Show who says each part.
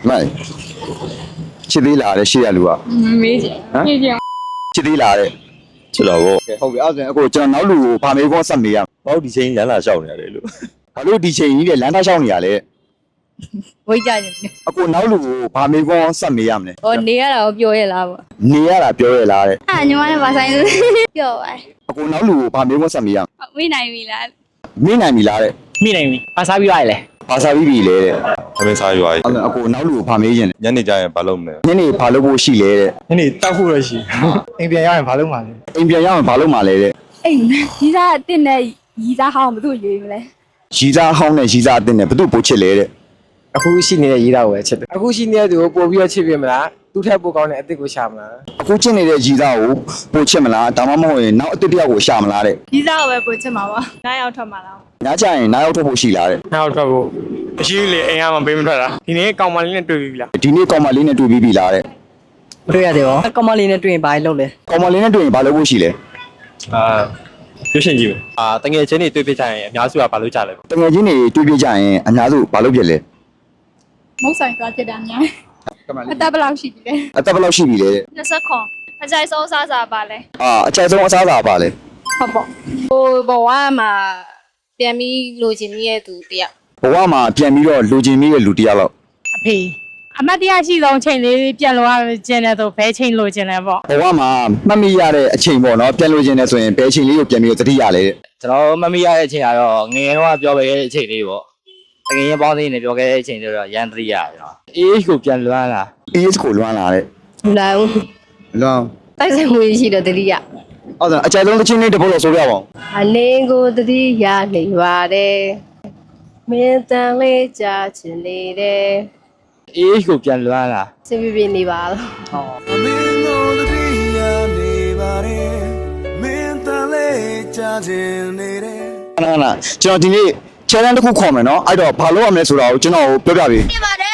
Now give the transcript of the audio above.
Speaker 1: 妹，吃地辣的，吃路啊？
Speaker 2: 没见，没见。
Speaker 1: 吃地辣的，
Speaker 3: 吃到过。
Speaker 1: 后边二阵我讲老路怕美光什么呀？
Speaker 3: 包底钱人哪少呢？这路。
Speaker 1: 把路地钱你的两大小年嘞，
Speaker 2: 我家人。
Speaker 1: 我老路怕美光什么样呢？
Speaker 2: 我你那表演啦不？
Speaker 1: 你呀啦表演啦的，
Speaker 2: 你妈那把啥子？表哎。
Speaker 1: 我老路怕美光什么样？
Speaker 2: 没来没来。
Speaker 1: 没难米啦的，
Speaker 4: မိနိုင်ပြီအစားပြလိုက်လေ
Speaker 1: 巴萨比比嘞的，
Speaker 3: 还没差远。
Speaker 1: 我老路怕美人，
Speaker 3: 人家家人把路没。
Speaker 1: 你那怕路不洗嘞的，
Speaker 4: နင်တောက်ဖို့လို့ရှိအိမ်ပြန်ရရင်ဘာလုပ်မှာလဲ
Speaker 1: 你别让怕路嘛嘞的，
Speaker 2: 哎，你咋定的？你咋好没都约没嘞？
Speaker 1: 西藏好呢，西藏真的不都不吃嘞的。
Speaker 4: အခုရှိနေတဲ့ရေးတာကိုပဲချစ်တယ်အခုရှိနေတဲ့သူကိုပို့ပြီးတော့ချစ်ပြမလားသူ့ထက်ပိုကောင်းတဲ့အစ်စ်ကိုရှာမလား
Speaker 1: အခုကျင့်နေတဲ့ကြီးသားကိုပို့ချစ်မလားဒါမှမဟုတ်ရင်နောက်အစ်တစ်ယောက်ကိုရှာမလားတဲ့
Speaker 2: 你咋我也不吃嘛吧？哪要吃嘛了？
Speaker 1: ညကျရင်နောက်ရောက်ထွက်ဖို့ရှိလားတဲ့
Speaker 4: နောက်ထွက်ဖို့မရှိဘူးလေအိမ်ကမှပေးမထွက်တာဒီနေ့ကောင်မလေးနဲ့တွေ့ပြီလား
Speaker 1: ဒီနေ့ကောင်မလေးနဲ့တွေ့ပြီးပြီလားတဲ့
Speaker 5: မတွေ့ရတယ်ဗောကောင်မလေးနဲ့တွေ့ရင်ဘာလုပ်လဲ
Speaker 1: ကောင်မလေးနဲ့တွေ့ရင်ဘာလုပ်ဖို့ရှိလဲ
Speaker 3: ရွှေရှင်ကြီးပဲတငယ်ချင်းတွေတွေ့ပြကြရင်အများစုကဘာလို့ကြလဲ
Speaker 1: တငယ်ချင်းတွေတွေ့ပြကြရင်အများစုဘာလုပ်ဖြစ်လဲ
Speaker 2: 没啥抓起来呢。大不老实的。
Speaker 1: အသက်ဘယ်လောက်ရှိပြီလဲတဲ့
Speaker 2: 那是空，他在收啥啥吧嘞？
Speaker 1: အကြိုက်ဆုံးအစားအစာပါလဲ
Speaker 2: 好不？
Speaker 6: ဟိုဘဝမှာပြန်ပြီးလိုချင်နေတဲ့သူတယောက်
Speaker 1: ဘဝမှာပြန်ပြီးတော့လူချင်းမိတဲ့လူတစ်ယောက်လောက်
Speaker 7: အဖေအမတ်တရားရှိဆုံးချိန်လေးပြန်လို့ရခြင်းနဲ့ဆိုဘဲချိန်လို့ခြင်းလဲပေါ့
Speaker 1: ဘဝမှာမှတ်မိရတဲ့အချိန်ပေါ့နော်ပြန်လို့ချင်းနေဆိုရင်ဘယ်အချိန်လေးကိုပြန်ပြီးတော့သတိရလဲတဲ့
Speaker 4: ကျွန်တော်မမီရတဲ့အချိန်ကတော့ငငယ်တော့ပြောခဲ့တဲ့အချိန်လေးပေါ့တကယ်ရင်ပေါင်းသေးနေပြောခဲ့တဲ့အချိန်တွေတော့ရန်တရိရကျွန်တော်အေးကိုပြန်လွမ်းလာ
Speaker 1: AS ကိုလွမ်းလာတဲ့
Speaker 6: လူလာဦး
Speaker 1: လွမ်း
Speaker 6: တိုက်ဆိုင်မှုရှိတော့တတိယ
Speaker 1: အဲ့ဒါအကြိုက်ဆုံးတစ်ချင်းလေးတစ်ပုတ်လောက်ဆိုပြပါဦး
Speaker 6: အနေကိုတတိယနေပါတယ်မင်းတန်လေးကြာချင်နေတယ်
Speaker 4: အေးကိုပြန်လွမ်းလာ
Speaker 6: စပြပြနေပါတော့
Speaker 8: မင်းတို့တည်းရနေပါတယ်မင်းတန်လေးကြားခြင်းနေတယ်
Speaker 1: ခဏခဏကျွန်တော်ဒီနေ့ challenge တစ်ခုခေါ်မယ်နော်အဲ့တော့ဘာလုပ်ရမလဲဆိုတာကိုကျွန်တော်ပြောပြပေး
Speaker 6: ပြပါတယ်